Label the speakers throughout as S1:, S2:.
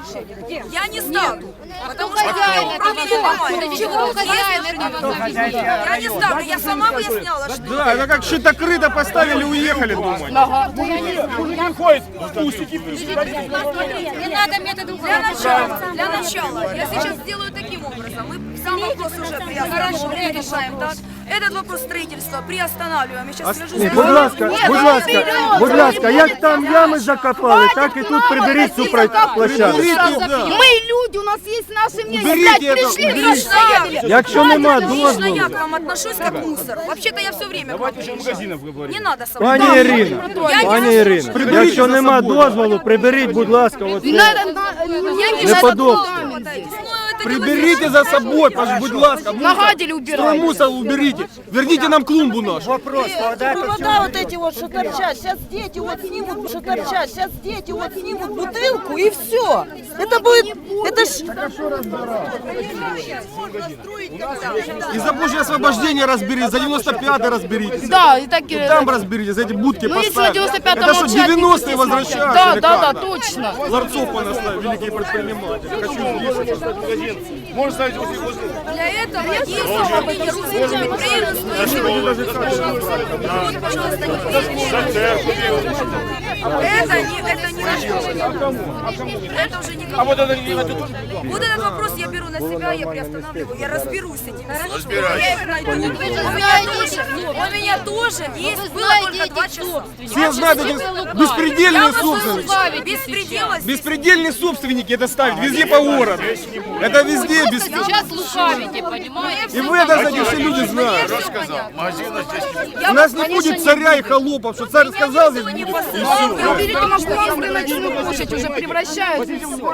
S1: Я не ставлю. Потому что я не ставлю. Я сама выясняла, что...
S2: Да, это как щитокрыто поставили, уехали, думаю.
S1: Не надо методу для начала. Я сейчас сделаю таким образом. Мы сам вопрос уже решаем, так? Этот вопрос строительства приостанавливаем. Я сейчас скажу...
S3: Будь ласка, як там ями закопали, так і тут приберіть цю площадку.
S4: Мы люди, у нас есть наше мнение.
S2: Уберите
S4: Блядь,
S2: это,
S4: пришли,
S1: Лично
S3: Якщо нема
S1: лично
S3: дозволу.
S1: я к вам отношусь как мусор. Вообще-то я все время к вам приезжаю. Не надо со мной.
S3: Пані Ірина, якщо нема дозволу, приберіть, будь ласка, оце. Неподобство.
S2: Приберите за собой, будь ласка.
S4: Нагадили убирать.
S2: Мусор уберите. Верните нам клумбу нашу.
S5: Провода вот эти вот, что торчат, сейчас дети вот снимут, что торчат, сейчас дети вот снимут бутылку и все. Это будет, это ж...
S2: И за Божье освобождение разберитесь, за 95-й разберитесь.
S4: Да, и так...
S2: Там разберитесь, за эти будки
S4: Ну, если
S2: поставили.
S4: на 95-м
S2: Это что,
S4: молчать,
S2: 90-е
S4: не
S2: возвращаются?
S4: Да,
S2: или
S4: да,
S2: как?
S4: да, точно.
S2: Ларцов понаставили, великие предприниматели. Хочу здесь. Можно ставить возле...
S1: Для этого есть управление русским предприятием. Вот, пожалуйста, это не это уже не... Вот этот вопрос я беру на себя, я приостанавливаю, я разберусь с этим. Я их найду. У меня тоже есть, было только 2 часа.
S2: Все знают, эти беспредельные собственники.
S1: Беспредела.
S2: Беспредельные собственники это ставят везде по городу. Это везде беспредел.
S4: Сейчас лукавите, понимаете?
S2: И вы это, кстати, все люди знают. У нас не будет царя и холопов, что царь сказал, здесь будет.
S4: Уберите наш рыночную площадь, уже превращаются.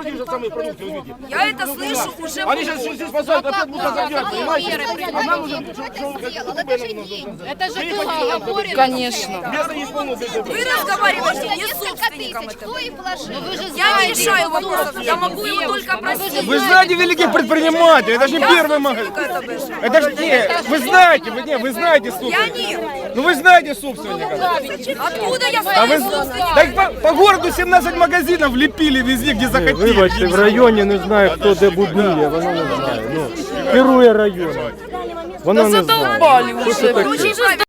S1: Я это слышу уже.
S2: Они сейчас здесь поставят, опять будут загрять, понимаете?
S4: Это же было оговорено. Конечно.
S1: Вы разговариваете не с собственником этого. Я не решаю вопросов, я могу его только просить.
S2: Вы знаете великих предпринимателей, это же не первый магазин. Это же вы знаете, вы знаете
S1: Я
S2: собственника.
S1: нет.
S2: Ну вы знаете собственника.
S1: Откуда я
S2: А вы,
S1: знаю собственника?
S2: так по городу 17 магазинов лепили везде, где захотели.
S3: Вибачте, в районі не знаю, хто де будує, воно не знає. Ну, керує районом. Воно не знає.
S4: Задолбали
S3: Що це
S4: уже.
S3: таке?
S1: Очень правильно.